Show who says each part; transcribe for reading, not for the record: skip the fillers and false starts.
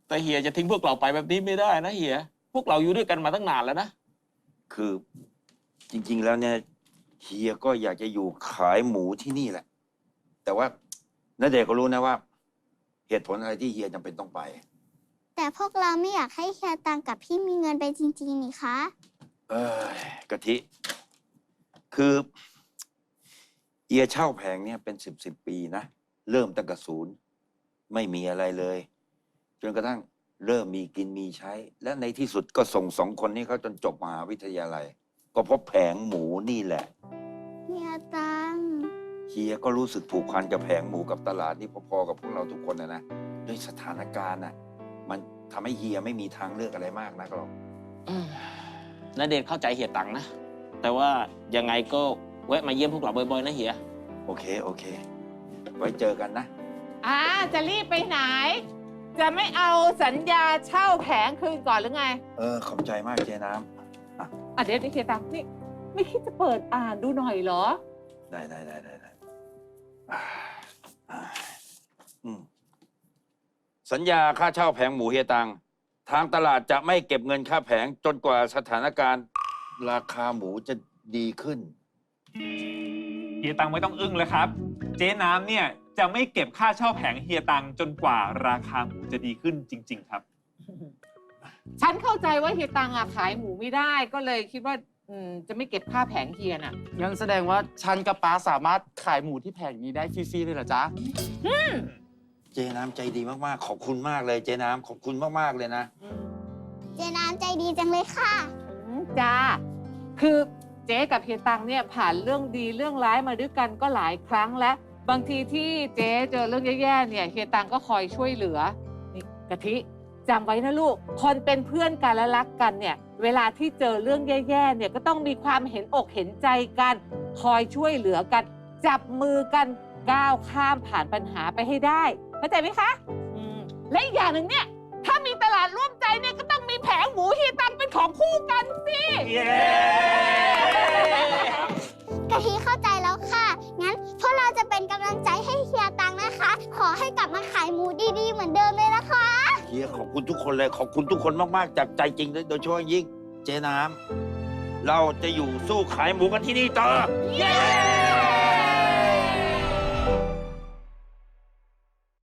Speaker 1: แต่เฮียจะทิ้งพวกเราไปแบบนี้ไม่ได้นะเฮียพวกเราอยู่ด้วยกันมาตั้งนานแล้วนะ
Speaker 2: คือจริงๆแล้วเนี่ยเฮียก็อยากจะอยู่ขายหมูที่นี่แหละ แต่ว่าณเดชน์ก็รู้นะว่า เหตุผลอะไรที่เฮียจำเป็นต้องไป
Speaker 3: แต่พวกเราไม่อยากให้เฮียตังกับพี่มีเงินไปจริงๆนี่คะ
Speaker 2: เอ้ยกะทิ คือเฮียเช่าแผงเนี่ยเป็นสิบปีนะ เริ่มตั้งแต่ศูนย์ไม่มีอะไรเลย จนกระทั่งเริ่มมีกินมีใช้ และในที่สุดก็ส่งสองคนนี้เขาจนจบมหาวิทยาลัย ก็เพราะแผงหมูนี่แหละ
Speaker 3: เฮียตัง
Speaker 2: เฮียก็รู้สึกผูกพันกับแผงหมูกับตลาดนี่พอๆกับพวกเราทุกคนนะด้วยสถานการณ์น่ะมันทำให้เฮียไม่มีทางเลือกอะไรมากนักหรอก
Speaker 1: ณเดชน์เข้าใจเฮียตังนะแต่ว่ายังไงก็แวะมาเยี่ยมพวกเราบ่อยๆนะเฮีย
Speaker 2: โอเค ไว้เจอกันนะ
Speaker 4: จะรีบไปไหน จะไม่เอาสัญญาเช่าแผงคืนก่อนหรือไง
Speaker 2: ขอบใจมากเจ๊น้
Speaker 4: เดี๋ยวนี่เคตังนี่ไม่คิดจะเปิดอ่านดูหน่อยเหรอ
Speaker 2: ำได้อ่าอืมสัญญาค่าเช่าแผงหมูเฮียตัง ทางตลาดจะไม่เก็บเงินค่าแผงจนกว่าสถานการณ์ ราคาหมูจะดีขึ้น
Speaker 5: เฮียตังไม่ต้องอึ้งเลยครับ เจ๊น้ำเนี่ยจะไม่เก็บค่าเช่าแผงเฮียตังจนกว่าราคาหมูจะดีขึ้นจริง ๆ ครับ
Speaker 4: ฉันเข้าใจว่าเฮียตังขายหมูไม่ได้ก็เลยคิดว่าจะไม่เก็บค่าแผงเฮียน่ะ
Speaker 6: งั้นแสดงว่าฉันกับป้าสามารถขายหมูที่แผงนี้ได้ฟรีๆเลยเหรอจ๊ะ
Speaker 2: เจ๊น้ำใจดีมากๆ ขอบคุณมากเลยเจ๊น้ำขอบคุณมากๆเลยนะ
Speaker 3: เจน้ำใจดีจังเลยค่ะ
Speaker 4: จ้า คือเจ๊กับเฮียตังเนี่ยผ่านเรื่องดีเรื่องร้ายมาด้วยกันก็หลายครั้งแล้ว บางทีที่เจ๊เจอเรื่องแย่ๆเนี่ยเฮียตังก็คอยช่วยเหลือ นี่กะทิจำไว้นะลูก คนเป็นเพื่อนกันและรักกันเนี่ย เวลาที่เจอเรื่องแย่ๆเนี่ยก็ต้องมีความเห็นอกเห็นใจกัน คอยช่วยเหลือกัน จับมือกันก้าวข้ามผ่านปัญหาไปให้ได้เข้าใจไหมคะและอีกอย่างหนึ่งเนี่ยถ้ามีตลาดร่วมใจเนี่ยก็ต้องมีแผงหมูเฮียตังเป็นของคู่กันสิ
Speaker 3: กะทิเข้าใจแล้วค่ะ งั้นพวกเราจะเป็นกำลังใจให้เฮียตังนะคะ ขอให้กลับมาขายหมูดีๆเหมือนเดิมเลยนะคะ
Speaker 2: เฮียขอบคุณทุกคนเลย ขอบคุณทุกคนมากๆ จากใจจริงเลยโดยเฉพาะอย่างยิ่งเจ๊น้ำเราจะอยู่สู้ขายหมูกันที่นี่ต่อ
Speaker 4: เย้